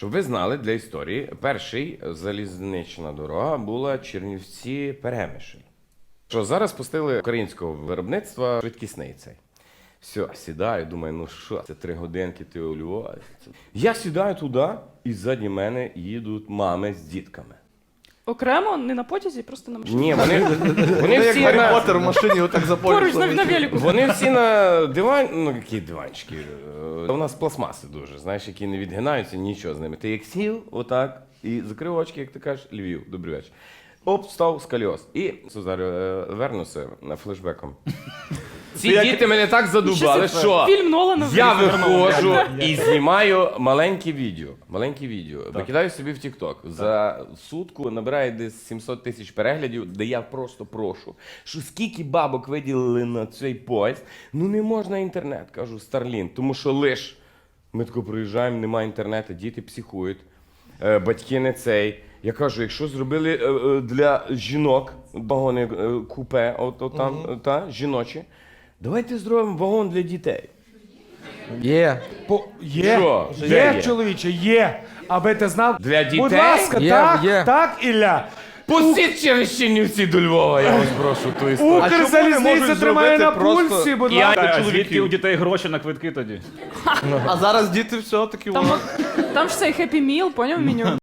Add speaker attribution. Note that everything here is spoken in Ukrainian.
Speaker 1: Щоб ви знали, для історії, перший залізнична дорога була Чернівці-Перемишль. Що зараз пустили українського виробництва швидкісний цей. Все, сідаю, думаю, ну що, це 3 годинки, ти у Львові. Я сідаю туди, і ззаді мене їдуть мами з дітками.
Speaker 2: Окремо, не на потязі, просто на машині.
Speaker 1: Ні, вони всі
Speaker 3: Гаррі
Speaker 1: на...
Speaker 3: Поттер в машині отак за
Speaker 2: Поруч на велику.
Speaker 1: Вони всі на диван, ну які диванчики. У нас пластмаси дуже, знаєш, які не відгинаються, нічого з ними. Ти як сів, отак, і закрив очки, як ти кажеш, Львів, добрий вечір. Оп, став сколіоз. І зараз вернуся флешбеком. Ці діти мене так задубали, що
Speaker 2: Фільм Нолана.
Speaker 1: я виходжу і знімаю маленьке відео. Викидаю собі в TikTok. За сутку набирає десь 700 тисяч переглядів, де я просто прошу, що скільки бабок виділили на цей поїзд, ну не можна інтернет, кажу, Starlink, тому що лиш ми тако приїжджаємо, немає інтернету, діти психують, батьки не цей. Я кажу, якщо зробили для жінок вагони купе, от там, жіночі, давайте зробимо вагон для дітей.
Speaker 3: Є.
Speaker 4: Є,
Speaker 1: Що?
Speaker 4: є,
Speaker 1: Де є?
Speaker 4: чоловіче, є. Аби ти знав.
Speaker 1: Для дітей?
Speaker 4: Будь ласка,
Speaker 3: Є,
Speaker 4: так,
Speaker 3: є.
Speaker 4: так, Ілля.
Speaker 1: Пустіть через Чернівці до Львова, я вас прошу ту історію.
Speaker 4: Укрзалізниця тримає на пульсі, будь ласка.
Speaker 5: А звідки у дітей гроші на квитки тоді?
Speaker 3: А зараз діти все-таки...
Speaker 2: Там ж цей Happy Meal, поняв меню?